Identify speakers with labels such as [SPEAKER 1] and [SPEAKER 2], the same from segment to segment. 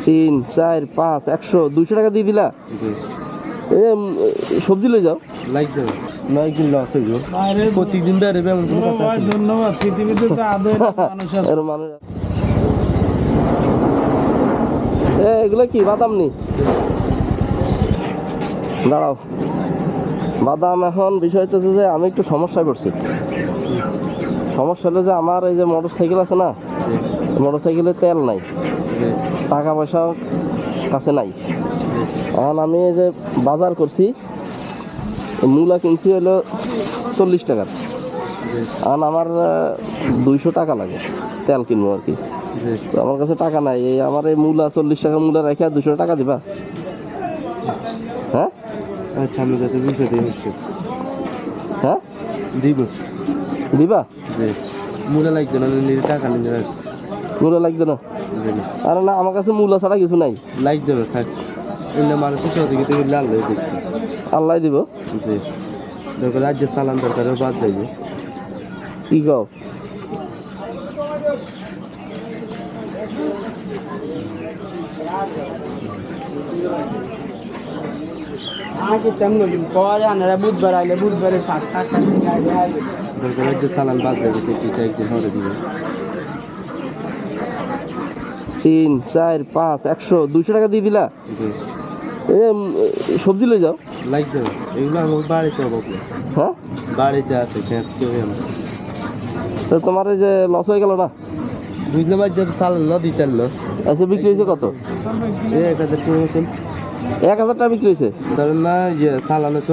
[SPEAKER 1] 3 4 5 100 200 টাকা দিয়ে দিলা। সবজি লই যাও
[SPEAKER 2] লাইক দাও নয় কিলো আছে গো প্রতিদিন বেরোবে এমন কোনো কথা আছে?
[SPEAKER 3] ধন্যবাদ। পৃথিবীতে তো আদর মানুষ আছে।
[SPEAKER 1] এর মানুষ এগুলো কি বাদাম নি? দাঁড়াও, বাদাম এখন বিষয় হচ্ছে যে আমি একটু সমস্যায় পড়ছি। সমস্যা হলো যে আমার এই যে মোটর সাইকেল আছে না, মোটর সাইকেলে তেল নাই, টাকা পয়সা কাছে নাই। এখন আমি এই যে বাজার করছি, মূলা কিনছি হলো 40 টাকার। এখন আমার 200 টাকা লাগে তেল কিনবো আর কি। তো আমার কাছে টাকা নাই, এই আমার এই মূলা 40 টাকা মূলা রেখে 200 টাকা দিবা? হ্যাঁ
[SPEAKER 2] আচ্ছা আমি যাতে বুঝে দিই অবশ্যই।
[SPEAKER 1] হ্যাঁ
[SPEAKER 2] দিব
[SPEAKER 1] দিবা?
[SPEAKER 2] যে মূলা লাগবে না, নিজে টাকা নিজে রাখ।
[SPEAKER 1] মূলা লাগবে না? আরে না, আমার কাছে মূলা ছাড়া কিছু নাই।
[SPEAKER 2] লাগবে না থাক, এমনি মানুষের চৌদিকে থেকে লাল হয়ে দেখি
[SPEAKER 1] আল্লাহ দিব।
[SPEAKER 2] জি দেখো রাজ্যে চালান দরকারও বাদ যাইবে।
[SPEAKER 1] কি কও?
[SPEAKER 3] আগে তেমন পরে আনারা বুধবার আইলে বুধবারে 7 টাকা
[SPEAKER 2] দরকার রাজ্যে চালান বাদ যাবে, দেখতেছে একদিন হরে দিবে।
[SPEAKER 1] 3 4 5 100 200 টাকা দিয়ে দিলা।
[SPEAKER 2] জি
[SPEAKER 1] সবজি লই যাও।
[SPEAKER 2] লাইক দাও এগুলো আমার বাড়িতে অভাব নেই,
[SPEAKER 1] হ্যাঁ
[SPEAKER 2] বাড়িতে আছে খেত কেউ না।
[SPEAKER 1] তো তোমার এই যে লস হয়ে গেল না?
[SPEAKER 2] বুঝলাম আর যার চালান না দিতেন না।
[SPEAKER 1] আচ্ছা, বিক্রি হয়েছে কত?
[SPEAKER 2] 1000 টাকা মতন।
[SPEAKER 1] 1000 টাকা বিক্রি হয়েছে?
[SPEAKER 2] কারণ না চালান হচ্ছে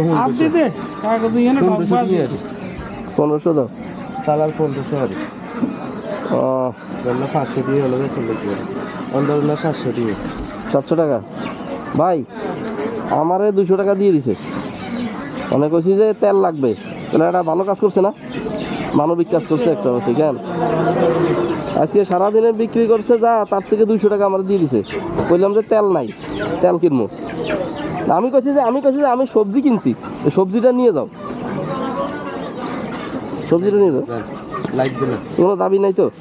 [SPEAKER 1] 1500 দাও।
[SPEAKER 2] চালান 1500 হবে,
[SPEAKER 1] ও
[SPEAKER 2] 500 দিয়ে হলো বেসন লাগবে, অন্তর না 700 দিয়ে।
[SPEAKER 1] 700 টাকা ভাই আমারে 200 টাকা দিয়ে দিছে। অনেক কইছি যে তেল লাগবে, তাহলে এটা ভালো কাজ করছে না, মানবিক কাজ করছে একটা অবশ্যই। কেন আজকে সারাদিনে বিক্রি করছে যা, তার থেকে 200 টাকা আমার দিয়ে দিছে। বললাম যে তেল নাই, তেল কিনবো। আমি কইছি যে আমি সবজি কিনছি, সবজিটা নিয়ে যাও, সবজিটা নিয়ে যাও,
[SPEAKER 2] লাগবে না
[SPEAKER 1] কোনো দাবি নাই তো?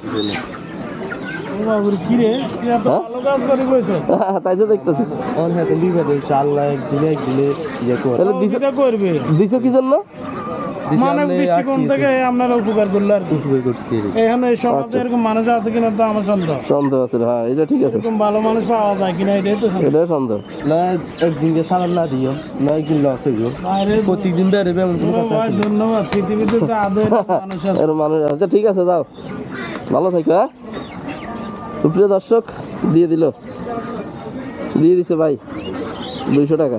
[SPEAKER 1] তাই তো দেখতেছি।
[SPEAKER 2] আল্লাহ একদিনে ইয়ে করে
[SPEAKER 1] তাহলে দিছো কি জন্য?
[SPEAKER 3] মানব দৃষ্টিকোণ থেকে আপনারা উপকার করলো আর কি।
[SPEAKER 2] উপকার করছি
[SPEAKER 3] এখানে এই সমাজে এরকম মানুষ আছে কিনা তো আমার সন্দেহ।
[SPEAKER 1] সন্দেহ আছে, হ্যাঁ এটা ঠিক আছে।
[SPEAKER 3] এরকম ভালো মানুষ পাওয়া যায় কিনা এটাই তো সন্দেহ।
[SPEAKER 1] এটা সন্দেহ।
[SPEAKER 2] না একদিনকে সালান না দিও, নয় কিলো আছে গো প্রতিদিন বেরোবে এমন কোনো কথা আছে?
[SPEAKER 3] ধন্যবাদ। পৃথিবীতে তো আদর মানুষ আছে।
[SPEAKER 1] এর মানুষ আচ্ছা ঠিক আছে, যাও ভালো থাকো। হ্যাঁ সুপ্রিয় দর্শক, দিয়ে দিছে ভাই 200 টাকা।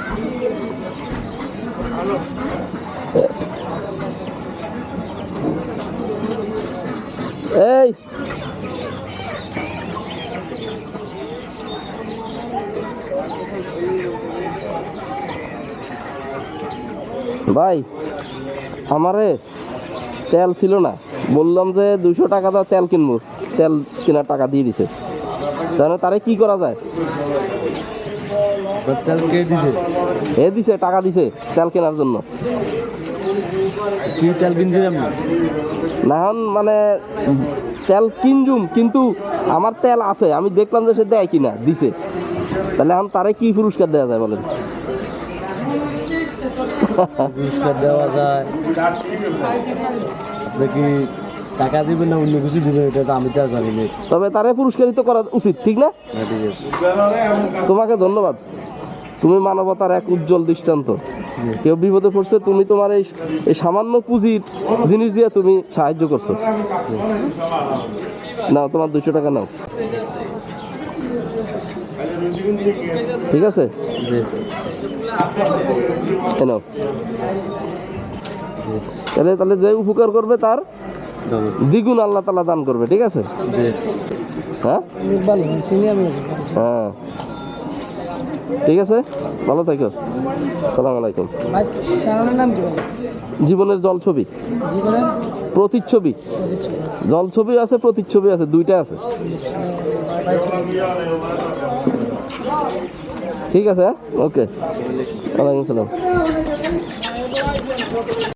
[SPEAKER 1] এই ভাই আমারে তেল ছিল না, বললাম যে 200 টাকা দাও তেল কিনবো, তেল কেনার টাকা দিয়ে দিছে। তাহলে তারে কি করা যায়? দিছে টাকা দিছে তেল কেনার জন্য।
[SPEAKER 2] কি তেল কিনছিলাম না
[SPEAKER 1] না এখন মানে তেল কিনজুম, কিন্তু আমার তেল আছে, আমি দেখলাম যে সে দেয় কিনা, দিছে। তাহলে এখন তারে কি পুরস্কার দেওয়া যায় বলেন?
[SPEAKER 2] পুরস্কার দেওয়া যায় দেখি, টাকা দিবেন না অন্য কিছু দিবেন এটা তো আমি তো জানি না।
[SPEAKER 1] তবে তারে পুরস্কারিত করা উচিত, ঠিক না? তোমাকে ধন্যবাদ, তুমি মানবতার এক উজ্জ্বল দৃষ্টান্ত। কেউ বিপদে পড়ছে, তুমি তোমার এই সামান্য পুঁজির জিনিস দিয়ে তুমি সাহায্য করছো। নাও তোমার 200 টাকা নাও, ঠিক আছে? নাও। তাহলে যে উপকার করবে তার দ্বিগুণ আল্লাহ তাআলা দান করবে, ঠিক আছে? হ্যাঁ হ্যাঁ ঠিক আছে, ভালো থাকো। আসসালামু আলাইকুম। জীবনের জলছবি, প্রতিচ্ছবি, জলছবি আছে, প্রতিচ্ছবি আছে, দুইটা আছে। ঠিক আছে, ওকে, ওয়ালাইকুম আসসালাম।